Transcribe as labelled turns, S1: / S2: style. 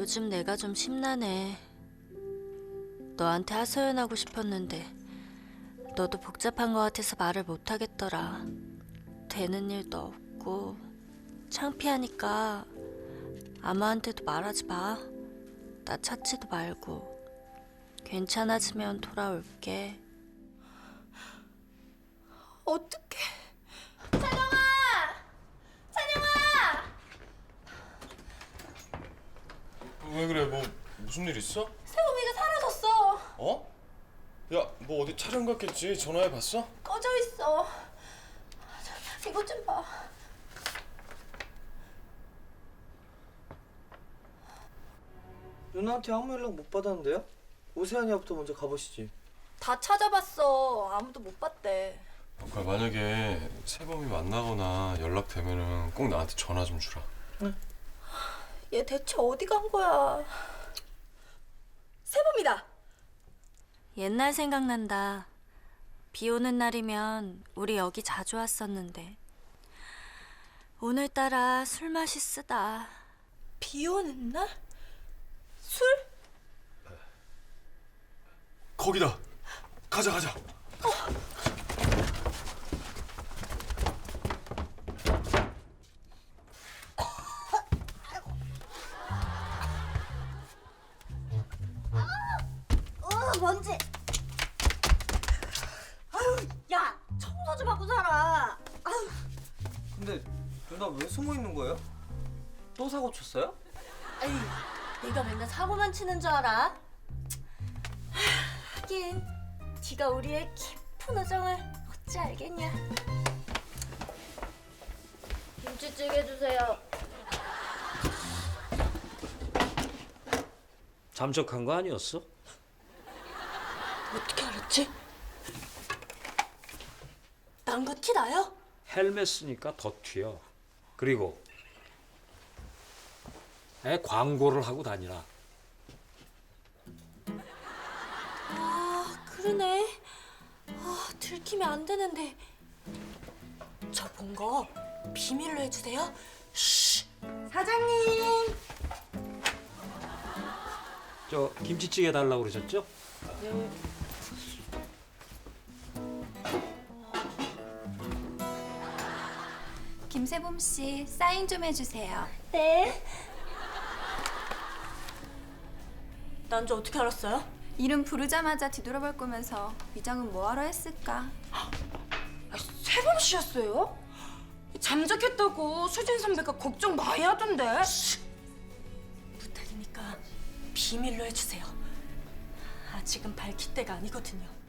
S1: 요즘 내가 좀 심란해. 너한테 하소연하고 싶었는데 너도 복잡한 것 같아서 말을 못하겠더라. 되는 일도 없고 창피하니까 아무한테도 말하지 마. 나 찾지도 말고. 괜찮아지면 돌아올게.
S2: 어떡해.
S3: 왜 그래? 뭐 무슨 일 있어?
S2: 세범이가 사라졌어.
S3: 어? 야, 뭐 어디 촬영 갔겠지? 전화해 봤어?
S2: 꺼져 있어. 이것 좀 봐.
S4: 누나한테 아무 연락 못 받았는데요? 오세아니아부터 먼저 가보시지.
S2: 다 찾아봤어. 아무도 못 봤대.
S3: 그러니까 만약에 세범이 만나거나 연락되면은 꼭 나한테 전화 좀 주라.
S2: 얘 대체 어디 간 거야? 세범이다.
S1: 옛날 생각난다. 비 오는 날이면 우리 여기 자주 왔었는데 오늘따라 술 맛이 쓰다.
S2: 비 오는 날? 술?
S3: 거기다. 가자.
S2: 먼지. 아유, 야, 청소 좀 하고 살아. 아유.
S4: 근데 누나 왜 숨어 있는 거예요? 또 사고 쳤어요?
S2: 아이, 내가 맨날 사고만 치는 줄 알아? 하긴, 네가 우리의 깊은 우정을 어찌 알겠냐? 김치찌개 주세요.
S5: 잠적한 거 아니었어?
S2: 어떻게 알았지? 난 거 티 나요?
S5: 헬멧 쓰니까 더 튀어. 그리고 애 광고를 하고 다니라.
S2: 아, 그러네. 아, 들키면 안 되는데. 저 본 거 비밀로 해주세요. 쉬. 사장님.
S5: 저 김치찌개 달라고 그러셨죠?
S6: 김세범 씨 사인 좀 해주세요.
S2: 네. 난지 어떻게 알았어요?
S6: 이름 부르자마자 뒤돌아볼 거면서 위장은 뭐하러 했을까?
S2: 세범 씨였어요? 잠적했다고 수진 선배가 걱정 많이 하던데. 부탁이니까 비밀로 해주세요. 아직은 밝힐 때가 아니거든요.